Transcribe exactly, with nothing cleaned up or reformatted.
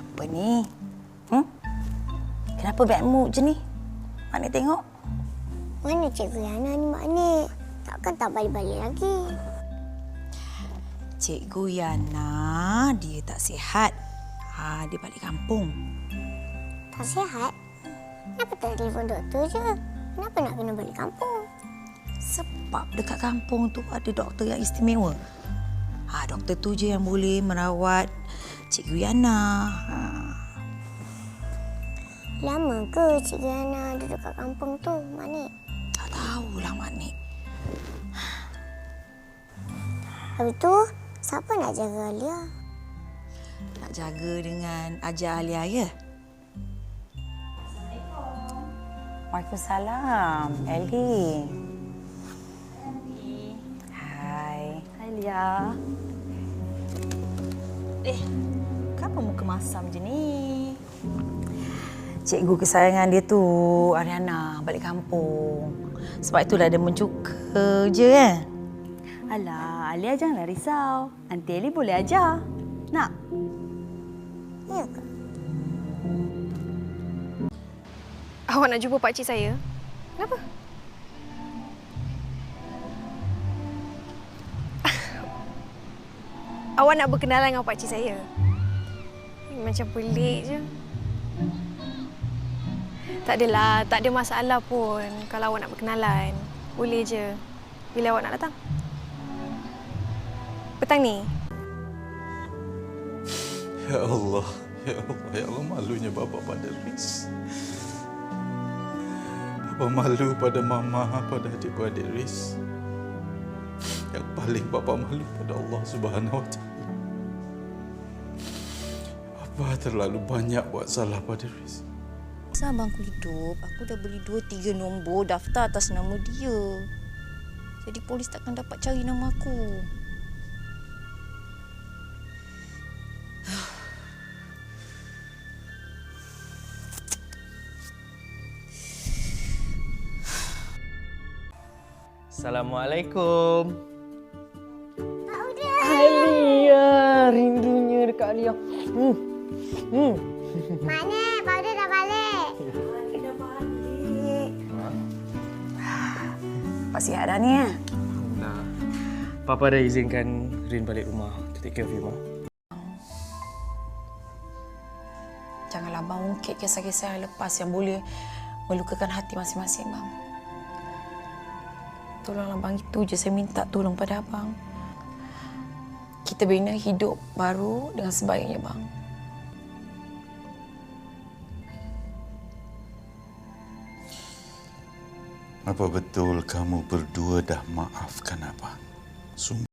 Apa ni? Hmm? Kenapa bad mood je ni? Mak Nik tengok. Mana Cikgu Yana ni, Mak Nik? Takkan tak balik-balik lagi? Cikgu Yana, dia tak sihat. Ha, dia balik kampung. Tak sihat? Kenapa tak telefon doktor je? Kenapa nak kena balik kampung? Sebab dekat kampung tu ada doktor yang istimewa. Ha, doktor tu je yang boleh merawat Cikgu Yana. Ha. Lama ke Cikgu Yana duduk kat kampung tu, Mak Nik? Tak tahulah, Mak Nik. Habis tu, siapa nak jaga Alia? Nak jaga dengan ajar Alia, ya? Waalaikumsalam. Ellie. Hai. Hai, Lia. Eh, kenapa muka masam je ni? Cikgu kesayangan dia tu, Ariana, balik kampung. Sebab itulah dia mencuka je kan? Alah, Alia janganlah risau. Aunty Ellie boleh ajar. Nak? Ya ke? Awak nak jumpa pakcik saya? Kenapa? Awak nak berkenalan dengan pakcik saya? Macam pelik je. Tak adalah, tak ada masalah pun kalau awak nak berkenalan. Boleh je. Bila awak nak datang? Petang ni? Ya Allah, ya Allah, ya Allah, malunya bapa pada Riz. Bapa malu pada mama, pada adik-beradik Riz. Yang paling bapa malu pada Allah Subhanahu Wa Taala. Bapa terlalu banyak buat salah pada Riz. Masa abangku hidup, aku dah beli dua tiga nombor daftar atas nama dia. Jadi polis takkan dapat cari nama aku. Assalamualaikum. Pak Uda! Alia, rindunya dekat Alia. Hmm. Hmm. Mana? Pak Uda dah balik. Pak sihat dah ni, ya? Nah, Papa dah izinkan Rin balik rumah to take care of you, Ma. Janganlah abang ungkit kisah-kisah yang lepas yang boleh melukakan hati masing-masing, bang. Tolonglah bang, itu je saya minta tolong pada abang. Kita bina hidup baru dengan sebaiknya, bang. Apa betul kamu berdua dah maafkan abang? Sungguh.